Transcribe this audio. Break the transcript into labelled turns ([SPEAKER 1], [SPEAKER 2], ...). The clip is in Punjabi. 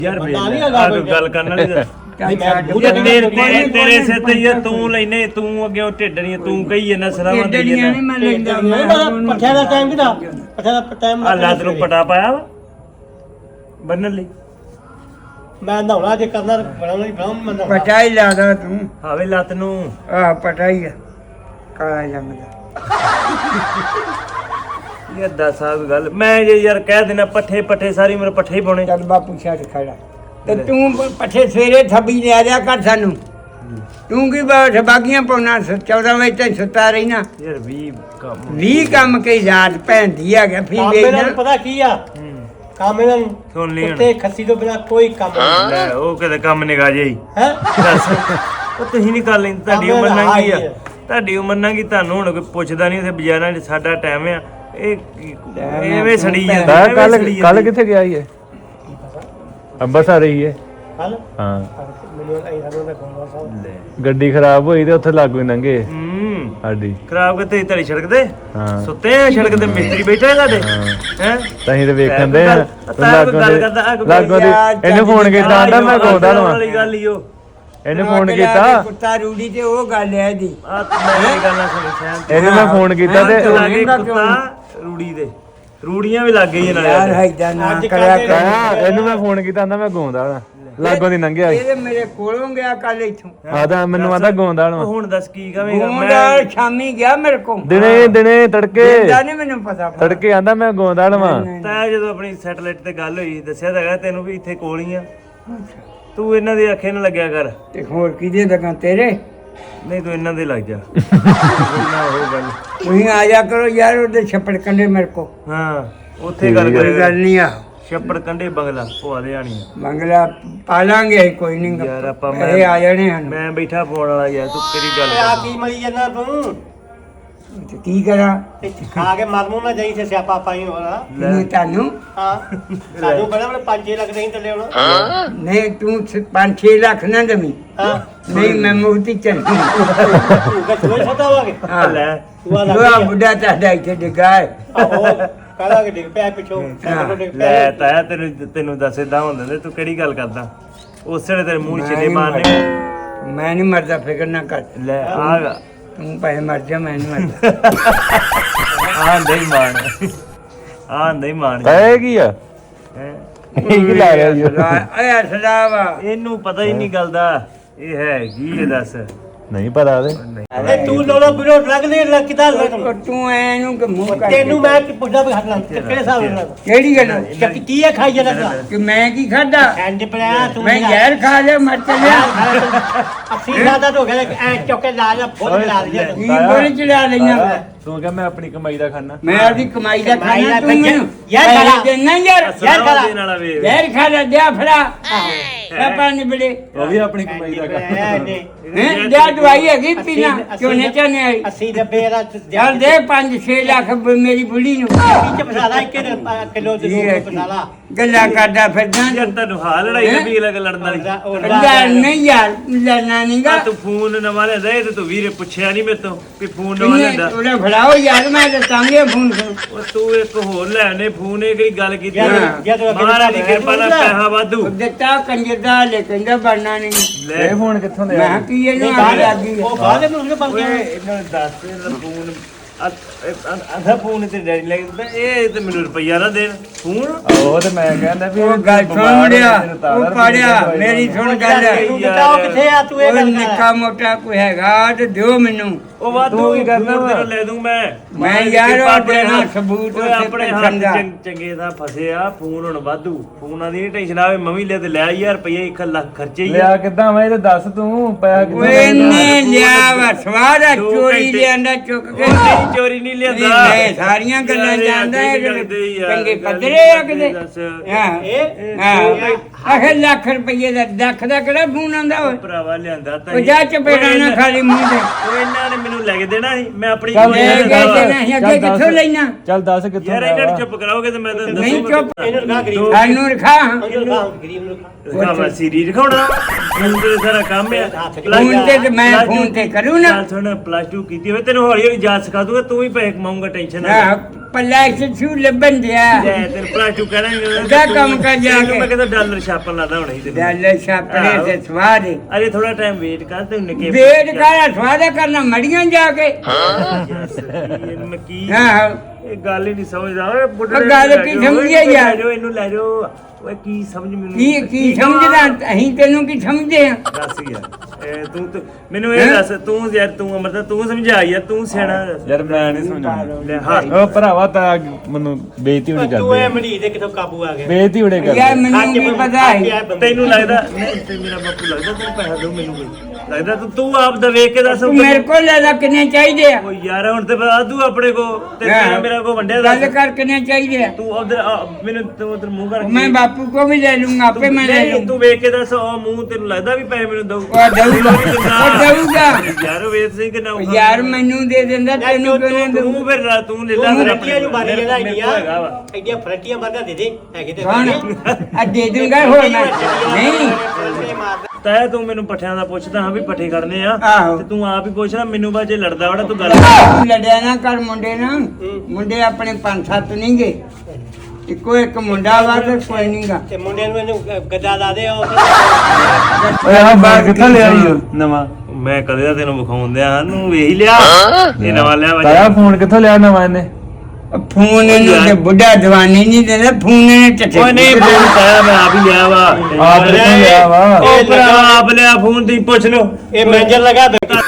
[SPEAKER 1] ਯਾਰ ਗੱਲ ਕਰਨ ਵਾਲੀ ਤੇਰੇ ਸਿਰ ਤੇ ਯਾਰ ਤੂੰ ਲੈਨੇ ਤੂੰ ਅੱਗੇ ਢਿੱਡ ਨਹੀਂ ਤੂੰ ਕਹੀ ਜਾਂਦਾ ਸਲਾਮਾਂ ਦੇ
[SPEAKER 2] ਪੱਠਿਆਂ ਦਾ ਟਾਈਮ ਕਿਦਾ ਪੱਠਿਆਂ ਦਾ ਟਾਈਮ
[SPEAKER 1] ਆ ਲੱਤ ਨੂੰ ਪਟਾ ਪਾਇਆ ਵਾ ਬੰਨਣ ਲਈ
[SPEAKER 2] ਮੈਂ ਨਹਾਉਣਾ ਜੇ ਕਰਨਾ ਬਣਾਉਣਾ ਹੀ ਬਣਾਉਂ ਮੈਂ
[SPEAKER 3] ਪਟਾ ਹੀ ਲਾਦਾ ਤੂੰ
[SPEAKER 1] ਹਾਵੇ ਲੱਤ ਨੂੰ
[SPEAKER 3] ਆ ਪਟਾ ਹੀ ਆ ਕਾਲਾ ਜੰਮ ਦਾ
[SPEAKER 1] ਯਾਰ ਦੱਸ ਆ ਗੱਲ ਮੈਂ ਜੇ ਯਾਰ ਕਹਿ ਦੇਣਾ ਪੱਠੇ ਸਾਰੀ ਉਮਰ ਪੱਠੇ ਹੀ ਪਾਉਣੇ
[SPEAKER 3] ਚੱਲ ਬਾਪੂ ਛੱਡ ਖੜਾ ਤੇ ਤੂੰ ਪੱਠੇ ਸਵੇਰੇ ਥੱਬੀ ਲਿਆ ਦਿਆ ਕਰ ਸਾਨੂੰ ਤੂੰ ਕੀ ਬਾਗੀਆਂ ਪਾਉਣਾ 14 ਵਜੇ ਤੱਕ ਸੁੱਤਾ ਰਹਿਣਾ
[SPEAKER 1] ਯਾਰ
[SPEAKER 3] 20 ਕੰਮ ਕੇ ਯਾਦ ਭੈਂਦੀ ਆ ਗਿਆ ਫਿਰ
[SPEAKER 2] ਵੇਖਣਾ ਪਤਾ ਕੀ ਆ ਕੰਮ ਇਹਨਾਂ ਨੂੰ
[SPEAKER 1] ਸੁਣ ਲਈ
[SPEAKER 2] ਉੱਤੇ ਖੱਸੀ ਤੋਂ ਬਿਨਾ ਕੋਈ ਕੰਮ ਨਹੀਂ
[SPEAKER 1] ਲੈ ਉਹ ਕਿਤੇ ਕੰਮ ਨਿਗਾ ਜਾਈ
[SPEAKER 2] ਹੈ
[SPEAKER 1] ਦੱਸ ਉਹ ਤੁਸੀਂ ਨਹੀਂ ਕਰ ਲੈਂਦੇ ਤੁਹਾਡੀ ਉਮਰ ਨੰਗੀ ਆ ਤੁਹਾਡੀ ਉਮਰ ਨੰਗੀ ਤੁਹਾਨੂੰ ਹੁਣ ਕੋਈ ਪੁੱਛਦਾ ਨਹੀਂ ਉੱਥੇ ਬਾਜ਼ਾਰਾਂ 'ਚ ਸਾਡਾ ਟਾਈਮ ਆ ਇਹ ਐਵੇਂ ਸੜੀ ਜਾਂਦਾ
[SPEAKER 4] ਕੱਲ ਕਿੱਥੇ ਗਿਆ ਇਹ ਅੰਬਰਸਰ ਰਹੀ ਹੈ
[SPEAKER 2] ਕੱਲ
[SPEAKER 4] ਹਾਂ
[SPEAKER 2] ਮੈਨੂੰ ਆਈ ਸਾਨੂੰ ਦਾ ਕੋਲ ਸਾਹਿਬ
[SPEAKER 4] ਗੱਡੀ ਖਰਾਬ ਹੋਈ ਤੇ ਉੱਥੇ ਲਾਗੂ ਨੰਗੇ ਸਾਡੀ
[SPEAKER 1] ਖਰਾਬ ਕਿਤੇ ਤੇਰੀ ਸੜਕ ਤੇ
[SPEAKER 4] ਹਾਂ
[SPEAKER 1] ਸੁੱਤੇ ਆ ਸੜਕ ਤੇ ਮਿਸਤਰੀ ਬੈਠੇ ਆ ਤੁਹਾਡੇ ਹੈ
[SPEAKER 4] ਤਹੀਂ ਤੇ ਵੇਖਣ ਦੇ ਲਾਗੋ ਦੀ ਇਹਨੇ ਫੋਨ ਕੀਤਾ ਆਂਦਾ ਮੈਂ ਗਾਉਂਦਾ ਲਵਾਂ
[SPEAKER 1] ਵਾਲੀ ਗੱਲ ਹੀ ਉਹ
[SPEAKER 4] ਇਹਨੇ ਫੋਨ ਕੀਤਾ
[SPEAKER 3] ਕੁੱਤਾ ਰੂੜੀ ਤੇ ਉਹ ਗੱਲ ਹੈ ਦੀ
[SPEAKER 1] ਆ ਮੈਂ ਗੱਲਾਂ ਸੁਣੀ
[SPEAKER 4] ਇਹਨੇ ਮੈਂ ਫੋਨ ਕੀਤਾ ਤੇ
[SPEAKER 1] ਲਾਗੇ ਕੁੱਤਾ ਰੂੜੀ ਦੇ ਰੂੜੀਆਂ ਵੀ ਲੱਗ ਗਈਆਂ ਨਾਲੇ
[SPEAKER 3] ਯਾਰ ਹੈਦਾ ਨਾ ਕਰਿਆ ਕਰ
[SPEAKER 4] ਇਹਨੂੰ ਮੈਂ ਫੋਨ ਕੀਤਾ ਆਂਦਾ ਮੈਂ ਗਾਉਂਦਾ ਲਾਗੋ ਦੀ ਲੰਘਿਆ
[SPEAKER 3] ਇਹਦੇ ਮੇਰੇ ਕੋਲੋਂ ਗਿਆ ਕੱਲ ਇੱਥੋਂ
[SPEAKER 4] ਆਦਾ ਮੈਨੂੰ ਆਂਦਾ ਗਾਉਂਦਾ ਲਵਾਂ
[SPEAKER 1] ਹੁਣ ਦੱਸ ਕੀ ਕਵੇਂਗਾ
[SPEAKER 3] ਮੈਂ ਸ਼ਾਮੀ ਗਿਆ ਮੇਰੇ ਕੋਲ
[SPEAKER 4] ਦਿਨੇ ਤੜਕੇ
[SPEAKER 3] ਦਾ ਨਹੀਂ ਮੈਨੂੰ ਪਤਾ
[SPEAKER 4] ਤੜਕੇ ਆਂਦਾ ਮੈਂ ਗਾਉਂਦਾ ਲਵਾਂ
[SPEAKER 1] ਤਾਂ ਜਦੋਂ ਆਪਣੀ ਸੈਟਲਾਈਟ ਤੇ ਗੱਲ ਹੋਈ ਦੱਸਿਆ ਤਾਂ ਹੈਗਾ ਤੈਨੂੰ ਵੀ ਇੱਥੇ ਕੋਲ ਹੀ ਆ ਤੂੰ ਇਹਨਾਂ ਦੇ ਅੱਖੇ ਨਾ ਲੱਗਿਆ ਕਰ
[SPEAKER 3] ਤੇ ਹੋਰ ਕਿਹਦੇ ਲਗਾ ਤੇਰੇ
[SPEAKER 1] ਨਹੀਂ ਤੂੰ ਇਹਨਾਂ ਦੇ ਲੱਗ ਜਾ ਉਹ ਗੱਲ
[SPEAKER 3] ਤੁਸੀਂ ਆ ਜਾ ਕਰੋ ਯਾਰ ਉਹਦੇ ਛੱਪੜ ਕੰਡੇ ਮੇਰੇ ਕੋ
[SPEAKER 1] ਹਾਂ ਉੱਥੇ ਗੱਲ
[SPEAKER 3] ਕੋਈ ਗੱਲ ਨਹੀਂ ਆ
[SPEAKER 1] ਛੱਪੜ ਕੰਡੇ ਬੰਗਲਾ ਭੂਆ ਦੇ ਆਣੀ
[SPEAKER 3] ਬੰਗਲਾ ਪਾਲਾਂਗੇ ਕੋਈ ਨਹੀਂ
[SPEAKER 1] ਯਾਰ ਆਪਾਂ
[SPEAKER 3] ਇਹ ਆ ਜਾਣੇ ਹਨ
[SPEAKER 1] ਮੈਂ ਬੈਠਾ ਫੋਨ ਵਾਲਾ ਯਾਰ ਤੂੰ ਕਿਹੜੀ ਗੱਲ
[SPEAKER 2] ਆ ਕੀ ਮਲੀ ਜਾਂਦਾ ਤੂੰ
[SPEAKER 3] ਤੇ ਕੀ ਕਰਾਂ
[SPEAKER 2] ਖਾ ਕੇ ਮਰਮੂ ਨਾ ਜਾਈ ਤੇ ਸਿਆਪਾ ਪਾਈ ਹੋਣਾ
[SPEAKER 3] ਨਹੀਂ ਤੁਹਾਨੂੰ
[SPEAKER 2] ਹਾਂ ਸਾਨੂੰ ਬੜਾ ਬੜਾ 5-6 ਲੱਖ ਨਹੀਂ ਥੱਲੇ ਹੋਣਾ
[SPEAKER 3] ਨਹੀਂ ਤੂੰ 5-6 ਲੱਖ ਨਾ ਦਮੀ
[SPEAKER 2] ਹਾਂ
[SPEAKER 3] ਨਹੀਂ ਮੈਂ ਮੁਕਤੀ ਚੱਲੀ
[SPEAKER 2] ਤੂੰ ਕਾ ਸੋਚ ਸਕਦਾ ਹੋਗੇ
[SPEAKER 3] ਹਾਂ
[SPEAKER 1] ਲੈ
[SPEAKER 2] ਤੂੰ ਆ
[SPEAKER 3] ਉਹ
[SPEAKER 2] ਲੱਗ
[SPEAKER 3] ਬੁੱਢਾ ਤੁਹਾਡਾ ਇੱਥੇ ਡਿੱਗਾ ਹੈ
[SPEAKER 2] ਆਹੋ ਕਾਲਾ ਕਿ ਡਿੱਗ ਪਿਆ ਪਿੱਛੋਂ ਸਾਡੇ ਡਿੱਗ ਪਿਆ
[SPEAKER 1] ਲੈ ਤਾਇਆ ਤੈਨੂੰ ਦੱਸ ਏਦਾਂ ਹੁੰਦਾ ਤੇ ਤੂੰ ਕਿਹੜੀ ਗੱਲ ਕਰਦਾ ਉਸੇ ਵੇਲੇ ਤੇਰੇ ਮੂੰਹ ਛਿੱਲੇ ਮਾਰਨੇ
[SPEAKER 3] ਮੈਂ ਨਹੀਂ ਮਰਦਾ ਫਿਕਰ ਨਾ ਕਰ
[SPEAKER 1] ਲੈ ਆ
[SPEAKER 3] ਤੂੰ ਭਾਵੇਂ ਮਰ ਜਾ ਮੈਂ ਨਹੀਂ ਮਰਦਾ
[SPEAKER 1] ਨਹੀਂ ਮਾਣ
[SPEAKER 4] ਇਹ ਕੀ ਆ
[SPEAKER 1] ਹੈਂ?
[SPEAKER 4] ਇਹ ਕੀ ਲਾ ਰਿਹਾ ਜੀ
[SPEAKER 3] ਓਏ ਸਲਾਵਾ
[SPEAKER 1] ਇਹਨੂੰ ਪਤਾ ਹੀ ਨਹੀਂ ਗੱਲ ਦਾ ਇਹ ਹੈ ਕੀ ਇਹ ਦੱਸ
[SPEAKER 4] ਨਹੀਂ ਪਤਾ ਉਹਦੇ
[SPEAKER 2] ਇਹ ਤੂੰ ਲੋੜੋ ਬਿਰੋ ਲੱਗਦੇ ਕਿਦਾਂ ਲੱਗਦਾ
[SPEAKER 3] ਤੂੰ ਐਨੂੰ ਕਿ ਮੂੰਹ ਕਰ
[SPEAKER 2] ਤੈਨੂੰ ਮੈਂ ਕੀ ਪੁੱਛਦਾ ਵੀ ਹੱਥ ਨਾਲ ਕਿਹੜੇ ਹਿਸਾਬ ਨਾਲ
[SPEAKER 3] ਕਿਹੜੀ ਗੱਲ
[SPEAKER 2] ਚੱਕ ਕੀ ਹੈ ਖਾਈ ਜਾਂਦਾ
[SPEAKER 3] ਕਿ ਮੈਂ ਕੀ ਖਾਦਾ
[SPEAKER 2] ਐਂਡ ਪਿਆ ਤੂੰ
[SPEAKER 3] ਮੈਂ ਜ਼ਹਿਰ ਖਾ ਲਿਆ ਮਰ ਚੱਲਿਆ
[SPEAKER 2] ਅਸੀਂ ਜ਼ਿਆਦਾ ਹੋ ਗਿਆ ਐ ਚੌਕੇ ਲਾ ਜਾ ਫੁੱਲ ਲਾ ਲਿਆ
[SPEAKER 3] ਕੀ ਬੋਲ ਚੜਾ ਲਈਆਂ
[SPEAKER 4] ਤੂੰ ਕਹ ਮੈਂ ਆਪਣੀ ਕਮਾਈ ਦਾ ਖਾਣਾ
[SPEAKER 3] ਮੈਂ ਆਪਦੀ ਕਮਾਈ ਦਾ ਖਾਣਾ ਤੂੰ ਮੈਨੂੰ
[SPEAKER 2] ਯਾਰ ਖਾ
[SPEAKER 3] ਦੇਣਾ ਯਾਰ
[SPEAKER 1] ਦੇ ਨਾਲ ਵੇ
[SPEAKER 3] ਜ਼ਹਿਰ ਖਾ ਲਿਆ ਦਿਆ ਫੜਾ ਪਾਪਾ ਨੇ ਬੜੇ
[SPEAKER 4] ਉਹ ਵੀ ਆਪਣੀ ਕਮਾਈ ਦਾ ਖਾਣਾ
[SPEAKER 3] ਹੈ ਦਿਆ ਦਵਾਈ ਹੈਗੀ ਪੀਣਾ ਕਿਉਂ ਨੇ ਚਾਹਨੇ ਆਈ
[SPEAKER 2] 80 ਡੱਬੇ ਦਾ
[SPEAKER 3] ਯਾਰ ਦੇ 5-6 ਲੱਖ ਮੇਰੀ ਬੁੱਢੀ ਨੂੰ
[SPEAKER 2] ਵਿੱਚ ਫਸਾਲਾ 1 ਕਿਲੋ ਤੇ 2 ਫਸਾਲਾ
[SPEAKER 3] ਗੱਲਾਂ ਕਰਦਾ ਫਿਰਦਾ
[SPEAKER 1] ਯਾਰ ਤੈਨੂੰ ਹਾਲ ਲੜਾਈ ਵੀ ਲੱਗ ਲੜਨ ਵਾਲੀ
[SPEAKER 3] ਯਾਰ ਨਹੀਂ ਯਾਰ ਲੜਨਾ ਨਹੀਂਗਾ
[SPEAKER 1] ਤੂੰ ਫੋਨ ਨਵਾਂ ਲੈਂਦਾ ਇਹ ਤੇ ਤੂੰ ਵੀਰੇ ਪੁੱਛਿਆ ਨਹੀਂ ਮੇਰੇ ਤੋਂ ਵੀ ਫੋਨ ਨਵਾਂ ਲੈਂਦਾ
[SPEAKER 3] ਉਹਨੇ ਫੜਾਓ ਯਾਰ ਮੈਂ ਦੱਸਾਂਗੇ ਫੋਨ ਕਰੋ
[SPEAKER 1] ਉਹ ਤੂੰ ਇੱਕ ਹੋਰ ਲੈਣੇ ਫੋਨ ਇਹ ਕਿਹੜੀ ਗੱਲ ਕੀਤੀ
[SPEAKER 2] ਜਦੋਂ ਅੱਗੇ
[SPEAKER 1] ਮਹਾਰਾਜ ਦੀ ਕਿਰਪਾ ਨਾਲ ਪੈਸਾ ਵਾਧੂ
[SPEAKER 3] ਦਿੱਤਾ ਕੰਜਰ ਦਾ ਲੈ ਕਹਿੰਦਾ ਬਣਨਾ ਨਹੀਂ
[SPEAKER 1] ਲੈ
[SPEAKER 4] ਇਹ ਫੋਨ ਕਿੱਥੋਂ
[SPEAKER 3] ਮੈਂ
[SPEAKER 4] ਲਿਆ
[SPEAKER 3] ਕਿਹਾ ਕੀ ਇਹਨੂੰ ਆ ਲੱਗੀ
[SPEAKER 2] ਉਹ ਬਾਅਦ ਵਿੱਚ ਉਸਨੇ ਬਣ
[SPEAKER 1] ਓਏ
[SPEAKER 2] ਗਿਆ
[SPEAKER 1] ਇਹਨਾਂ ਨੂੰ ਦੱਸ ਇਹਦਾ ਫੋਨ ਅਧਾ ਫੋਨ ਤੇ ਡੈਡੀ ਲੈ ਕੇ ਦਿੰਦਾ ਇਹ ਤੇ ਮੈਨੂੰ ਰੁਪਈਆ ਨਾ ਦੇਣ ਫੋਨ
[SPEAKER 4] ਉਹ ਤੇ ਮੈਂ ਕਹਿੰਦਾ ਵੀ
[SPEAKER 3] ਉਹ ਗੱਲ ਸੁਣ ਲਿਆ ਉਹ ਪੜਿਆ ਮੇਰੀ ਸੁਣ ਗੱਲ
[SPEAKER 2] ਤੂੰ ਬਤਾਓ ਕਿੱਥੇ ਆ ਤੂੰ ਇਹ
[SPEAKER 3] ਉਹ
[SPEAKER 2] ਗੱਲ ਕਰ
[SPEAKER 3] ਨਿੱਕਾ ਮੋਟਾ ਕੋਈ ਹੈਗਾ ਤੇ ਦਿਓ ਮੈਨੂੰ
[SPEAKER 1] ਉਹ ਵਾਧੂ ਕੀ ਕਰਨਾ ਤੈਨੂੰ ਲੈ ਦੂੰ ਮੈਂ
[SPEAKER 3] ਯਾਰ ਉਹ ਦੇਣਾ ਸਬੂਤ
[SPEAKER 1] ਓਏ
[SPEAKER 3] ਉੱਥੇ
[SPEAKER 1] ਆਪਣੇ
[SPEAKER 3] ਪੈਸਣ ਦਾ।
[SPEAKER 1] ਹੱਥ ਚੰਗੇ ਦਾ ਫਸੇ ਆ ਫੋਨ ਹੁਣ ਵਾਧੂ ਫੋਨਾਂ ਦੀ ਟੈਨਸ਼ਨ ਆਵੇ ਮੰਮੀ ਲੈ ਤੇ ਲੈ ਯਾਰ ਰੁਪਈਆ 1 ਲੱਖ ਖਰਚੇ ਹੀ
[SPEAKER 4] ਲਿਆ ਕਿੱਦਾਂ ਮੈਂ ਇਹ ਦੱਸ ਤੂੰ ਪੈਸਾ ਕਿੱਥੋਂ
[SPEAKER 3] ਓਏ ਨੇ ਲਿਆ ਵਾ ਸਵਾਰਾ ਚੋਰੀ ਲਿਆਂਦਾ ਚੁੱਕ ਕੇ
[SPEAKER 1] ਨਹੀਂ ਚੋਰੀ ਨਹੀਂ ਲਿਆਂਦਾ
[SPEAKER 3] ਮੈਂ ਸਾਰੀਆਂ ਗੱਲਾਂ ਜਾਣਦਾ ਚੰਗੇ ਪੱਧਰੇ ਆ ਕਿਤੇ ਆਖੇ ਲੱਖ ਰੁਪਏ ਦਾ ਲੱਖ ਦਾ ਕਿਹੜਾ ਫੋਨ ਆਂਦਾ ਓਏ
[SPEAKER 1] ਭਰਾਵਾ ਲਿਆਂਦਾ ਤਾਂ
[SPEAKER 3] ਉਹ ਜਾ ਚਪੇੜਾ ਨਾ ਖਾਲੀ ਮੂੰਹ ਤੇ
[SPEAKER 1] ਉਹ ਇਹਨਾਂ ਨੇ ਮੈਨੂੰ ਲੈ ਕੇ ਦੇਣਾ ਸੀ ਮੈਂ ਆਪਣੀ
[SPEAKER 4] ਚੱਲ
[SPEAKER 3] ਲੈ ਕੇ ਦੇਣਾ ਸੀ ਅੱਗੇ ਕਿੱਥੋਂ ਲੈਣਾ
[SPEAKER 4] ਚੱਲ ਦੱਸ ਕਿੱਥੋਂ
[SPEAKER 1] ਯਾਰ ਇਹਨਾਂ ਨੂੰ ਚੁੱਪ ਕਰਾਓਗੇ ਤੇ ਮੈਂ ਤਾਂ
[SPEAKER 3] ਨਹੀਂ ਚੁੱਪ
[SPEAKER 2] ਇਹਨੂੰ ਰਖਾ ਗਰੀਬ
[SPEAKER 3] ਸਾਨੂੰ ਰਖਾ
[SPEAKER 2] ਇਹਨੂੰ ਰਖਾ ਗਰੀਬ ਨੂੰ ਰਖਾ
[SPEAKER 1] ਮੈਂ ਸੀਰੀ ਦਿਖਾਉਣਾ ਮੈਨੂੰ ਤੇ ਸਾਰਾ ਕੰਮ ਆ
[SPEAKER 3] ਫੋਨ ਤੇ ਮੈਂ ਫੋਨ ਤੇ ਕਰੂੰ ਨਾ
[SPEAKER 1] ਚੱਲ ਸੁਣ ਪਲੱਸ 2 ਕੀਤੀ ਹੋਵੇ ਤੈਨੂੰ ਹੌਲੀ ਹੌਲੀ ਜਾਚ ਸਿਖਾ ਦੂੰਗਾ ਤੂੰ ਵੀ ਪੈਸੇ ਕਮਾਉਂਗਾ ਟੈਨਸ਼ਨ ਨਾ ਲੈ।
[SPEAKER 3] ਪੱਲਾ ਛੂ ਲੱਭਣ ਦਿਆ
[SPEAKER 1] ਲੈ ਤੇਰੇ ਭਰਾ ਚੂ ਕਹਿਣਾ
[SPEAKER 3] ਜਾ ਕੰਮ ਕਰ ਜਾ ਕੇ।
[SPEAKER 1] ਮੈਂ ਕਹਿੰਦਾ ਡਾਲਰ ਛਾਪਣ ਲਾਦਾ ਹੁਣੇ ਹੀ ਤੈਨੂੰ
[SPEAKER 3] ਗੱਲ ਛਾਪਣੇ ਤੇ ਸਵਾਦ ਹੈ।
[SPEAKER 1] ਅਰੇ ਥੋੜਾ ਟਾਈਮ ਵੇਟ ਕਰ ਤੇ ਨਿੱਕੇ
[SPEAKER 3] ਵੇਟ ਕਰ ਸਵਾਦ ਕਰਨਾ ਮੜੀਆਂ ਜਾ ਕੇ
[SPEAKER 1] ਮੈਂ ਕੀ
[SPEAKER 3] ਆਹੋ
[SPEAKER 1] ਇਹ ਗੱਲ ਹੀ ਨਹੀਂ ਸਮਝਦਾ ਓਏ ਬੁੱਢੇ
[SPEAKER 3] ਉਹ ਗੱਲ ਕੀ ਸਮਝਿਆ ਯਾਰ?
[SPEAKER 1] ਲੈ ਜਾਓ ਇਹਨੂੰ ਲੈ ਜਾਓ ਓਏ ਕੀ ਸਮਝ ਮੈਨੂੰ
[SPEAKER 3] ਕੀ ਸਮਝਦਾ ਅਸੀਂ ਤੈਨੂੰ ਕੀ ਸਮਝਦੇ ਆ
[SPEAKER 1] ਦੱਸ ਯਾਰ ਇਹ ਤੂੰ ਮੈਨੂੰ ਇਹ ਦੱਸ ਤੂੰ ਯਾਰ ਤੂੰ ਅਮਰਤਾ ਤੂੰ ਸਮਝਾ ਯਾਰ ਤੂੰ ਸਿਆਣਾ ਦੱਸ।
[SPEAKER 4] ਯਾਰ ਮੈਂ ਨਹੀਂ ਸਮਝਾਉਂਦਾ
[SPEAKER 1] ਲੈ ਹਾਂ
[SPEAKER 4] ਉਹ ਭਰਾਵਾ ਤਾਂ ਮੈਨੂੰ ਬੇਇੱਜ਼ਤੀ ਹੋਣੀ
[SPEAKER 2] ਤੂੰ ਇਹ
[SPEAKER 4] ਕਰਦੇ
[SPEAKER 2] ਮਣੀ ਦੇ ਕਿਥੋਂ ਕਾਬੂ ਆ ਗਿਆ
[SPEAKER 4] ਬੇਇੱਜ਼ਤੀ ਹੋਣੇ
[SPEAKER 3] ਯਾਰ
[SPEAKER 4] ਕਰਦੇ
[SPEAKER 3] ਮੈਨੂੰ ਵੀ ਪਤਾ ਹੈ
[SPEAKER 1] ਤੈਨੂੰ ਲੱਗਦਾ ਨਹੀਂ ਤੇ ਮੇਰਾ ਬਾਪੂ ਲੱਗਦਾ ਤੈਨੂੰ ਪੈਸਾ ਦਿਓ ਮੈਨੂੰ ਕੋਈ ਲੱਗਦਾ ਤੂੰ ਆਪ ਦਾ ਵੇਖ ਕੇ ਦੱਸ
[SPEAKER 3] ਤੂੰ ਮੇਰੇ ਕੋਲ ਲੈ ਲੈ ਕਿੰਨੇ ਚਾਹੀਦੇ ਆ
[SPEAKER 1] ਓ ਯਾਰ ਹੁਣ ਤੇ ਆਦੂ ਆਪਣੇ ਕੋ ਤੇ ਮੇਰਾ ਕੋ ਵੰਡਿਆ
[SPEAKER 3] ਗੱਲ
[SPEAKER 1] ਦੱਸ
[SPEAKER 3] ਕਰ ਕਿੰਨੇ ਚਾਹੀਦੇ ਆ
[SPEAKER 1] ਤੂੰ ਉਧਰ ਮੈਨੂੰ ਤੂੰ ਉਧਰ ਮੂੰਹ ਕਰਕੇ
[SPEAKER 3] ਮੈਂ ਬਾਪੂ ਕੋ ਵੀ ਲੈ ਲੂੰਗਾ ਆਪੇ ਮੈਂ ਲੈ
[SPEAKER 1] ਨਹੀਂ,
[SPEAKER 3] ਲੂੰ
[SPEAKER 1] ਤੂੰ ਵੇਖ ਕੇ ਦੱਸ ਉਹ ਮੂੰਹ ਤੈਨੂੰ ਲੱਗਦਾ ਵੀ ਪੈਸੇ ਮੈਨੂੰ ਦਊ
[SPEAKER 3] ਉਹ ਦਊਗਾ ਉਹ ਦਊਗਾ
[SPEAKER 1] ਯਾਰ ਵੇਖ ਸਿੰਘ ਕਿੰਨਾ ਔਖਾ।
[SPEAKER 3] ਯਾਰ ਮੈਨੂੰ ਦੇ ਦਿੰਦਾ ਤੈਨੂੰ ਕਿਉਂ ਨਹੀਂ ਦਊ
[SPEAKER 1] ਤੂੰ ਫਿਰ ਤੂੰ ਲੈ ਲੈ
[SPEAKER 2] ਤੂੰ
[SPEAKER 1] ਫਿਰ
[SPEAKER 2] ਫਰੰਟੀਆਂ ਨੂੰ ਮਾਰੀ ਜਾਂਦਾ
[SPEAKER 1] ਮੇਰੇ ਕੋਲ ਹੈਗਾ ਵਾ।
[SPEAKER 2] ਐਡੀਆਂ ਫਰੰਟੀਆਂ ਮਾਰਦਾ ਦੇ ਦੇ ਹੈਗੇ ਤੇ
[SPEAKER 3] ਕੌਣ ਆ ਦੇ ਦੂੰਗਾ ਹੋਰ ਮੈਂ ਨਹੀਂ
[SPEAKER 1] ਤਾਇਆ ਤੂੰ ਮੈਨੂੰ ਪੱਠਿਆਂ ਦਾ ਪੁੱਛਦਾ ਹਾਂ ਵੀ ਪੱਠੇ ਕਰਨੇ ਆ
[SPEAKER 3] ਆਹੋ।
[SPEAKER 1] ਤੇ ਤੂੰ ਆਪ ਹੀ ਪੁੱਛਣਾ ਮੈਨੂੰ ਬਾਅਦ ਜੇ ਲੜਦਾ ਵੜਾ ਤੂੰ ਗੱਲ
[SPEAKER 3] ਤੂੰ ਲੜਿਆ ਨਾ ਕਰ ਮੁੰਡੇ ਨਾਲ ਮੁੰਡੇ ਆਪਣੇ 5-7 ਨਹੀਂ ਗਏ ਇੱਕੋ ਇੱਕ ਮੁੰਡਾ ਵਾ ਤੇ ਕੋਈ ਨਹੀਂਗਾ
[SPEAKER 2] ਤੇ ਮੁੰਡੇ ਨੂੰ ਇਹਨੂੰ ਗੱਦਾ ਲਾ ਦੇ ਉਹ
[SPEAKER 4] ਓਏ ਆਹ ਬਾਹਰ ਕਿੱਥੋਂ ਲਿਆ ਈ ਨਵਾਂ
[SPEAKER 1] ਮੈਂ ਕਦੇ ਦਾ ਤੈਨੂੰ ਵਿਖਾਉਣ ਦਿਆਂ ਨੂੰ ਵੇਖ ਹੀ ਲਿਆ ਇਹ ਨਵਾਂ ਲਿਆ ਵਾ
[SPEAKER 4] ਤਾਇਆ ਫੋਨ ਕਿੱਥੋਂ ਲਿਆ ਨਵਾਂ ਇਹਨੇ
[SPEAKER 3] ਫੋਨ ਇਹਨੂੰ ਤੇ ਬੁੱਢਾ ਦਵਾਨੀ ਨਹੀਂ ਦਿੰਦਾ ਫੋਨ ਇਹਨੇ ਚੱਟੇ
[SPEAKER 1] ਓਏ ਨਹੀਂ ਫੋਨ ਤਾਇਆ ਮੈਂ ਆਪ ਹੀ ਲਿਆ ਵਾ
[SPEAKER 4] ਆਪ ਕਿੱਥੋਂ ਲਿਆ ਵਾ
[SPEAKER 1] ਉਹ ਭਰਾ ਆਪ ਲਿਆ ਫੋਨ ਦੀ ਪੁੱਛ ਲਓ
[SPEAKER 2] ਇਹ ਮੈਂਜਰ ਲਗਾ
[SPEAKER 1] ਤੁਹਾਡਾ